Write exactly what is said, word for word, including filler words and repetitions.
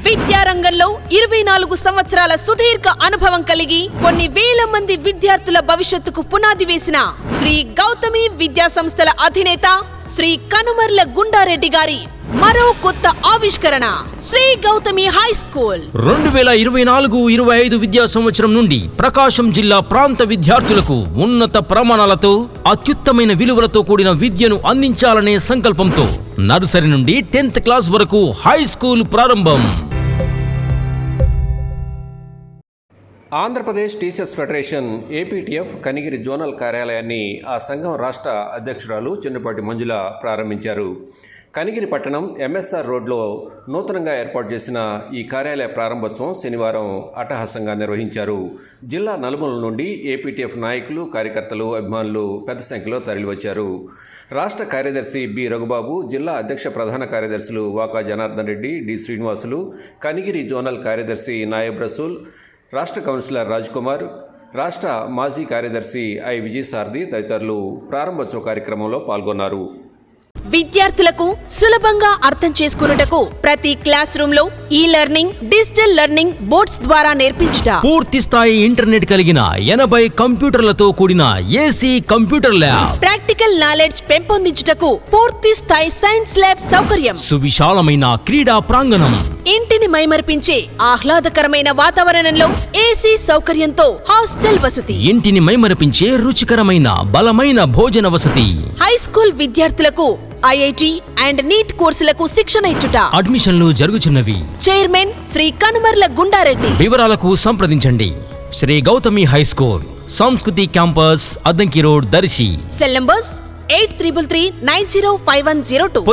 విద్యారంగంలో ఇరవై నాలుగు సంవత్సరాల సుదీర్ఘ అనుభవం కలిగి కొన్ని వేల మంది విద్యార్థుల భవిష్యత్తుకు పునాది వేసిన శ్రీ గౌతమి విద్యా సంస్థల అధినేత శ్రీ కనుమర్ల గుండారెడ్డి గారి మరో కొత్త ఆవిష్కరణ శ్రీ గౌతమి హై స్కూల్. రెండు వేల ఇరవై నాలుగు ఇరవై ఐదు విద్యా సంవత్సరం నుండి ప్రకాశం జిల్లా ప్రాంత విద్యార్థులకు ఉన్నత ప్రమాణాలతో అత్యుత్తమైన విలువలతో కూడిన విద్యను అందించాలనే సంకల్పంతో నర్సరీ నుండి టెన్త్ క్లాస్ వరకు హై స్కూల్ ప్రారంభం. Andhra Pradesh teachers federation APTF Kanigiri zonal కార్యాలయాన్ని ఆ సంఘం రాష్ట్ర అధ్యక్షురాలు చిన్నపాటి మంజుల ప్రారంభించారు. కనిగిరి పట్టణం ఎంఎస్ఆర్ రోడ్లో నూతనంగా ఏర్పాటు చేసిన ఈ కార్యాలయ ప్రారంభోత్సవం శనివారం అట్టహాసంగా నిర్వహించారు. జిల్లా నలుమూలల నుండి ఏపీటీఎఫ్ నాయకులు, కార్యకర్తలు, అభిమానులు పెద్ద సంఖ్యలో తరలివచ్చారు. రాష్ట్ర కార్యదర్శి బి రఘుబాబు, జిల్లా అధ్యక్ష ప్రధాన కార్యదర్శులు వాకా జనార్దన్ రెడ్డి, డి శ్రీనివాసులు, కనిగిరి జోనల్ కార్యదర్శి నాయబ్ రసూల్, రాష్ట్ర కౌన్సిలర్ రాజ్ కుమార్, రాష్ట్ర మాజీ కార్యదర్శి ఐ విజయసారథి తదితరులు ప్రారంభోత్సవ కార్యక్రమంలో పాల్గొన్నారు. విద్యార్థులకు సులభంగా అర్థం చేసుకున్నటకు ప్రతి క్లాస్ రూమ్ లో ఈ లెర్నింగ్, డిజిటల్ లెర్నింగ్ బోర్డ్స్ ద్వారా నేర్పించుట, పూర్తి స్థాయి ఇంటర్నెట్ కలిగిన ఎనభై కంప్యూటర్లతో కూడిన AC computer lab, practical knowledge పెంపొందించుటకు పూర్తి స్థాయి సైన్స్ ల్యాబ్ సౌకర్యం, సువిశాలమైన క్రీడా ప్రాంగణం, ఇంటిని మైమర్పించే ఆహ్లాదకరమైన వాతావరణంలో ఏసీ సౌకర్యంతో హాస్టల్ వసతి, ఇంటిని మైమరపించే రుచికరమైన బలమైన భోజన వసతి, హై స్కూల్ విద్యార్థులకు ఐఐటి అండ్ నీట్ కోర్సులకు శిక్షణ ఇచ్చుట, అడ్మిషన్లు జరుగుచున్నవి. చైర్మన్ శ్రీ కనుమర్ల గుండారెడ్డి. వివరాలకు సంప్రదించండి. Shri Gautami high school, Sanskriti campus, Addanki road, Darsi. Cell numbers eight triple three nine zero five one zero two.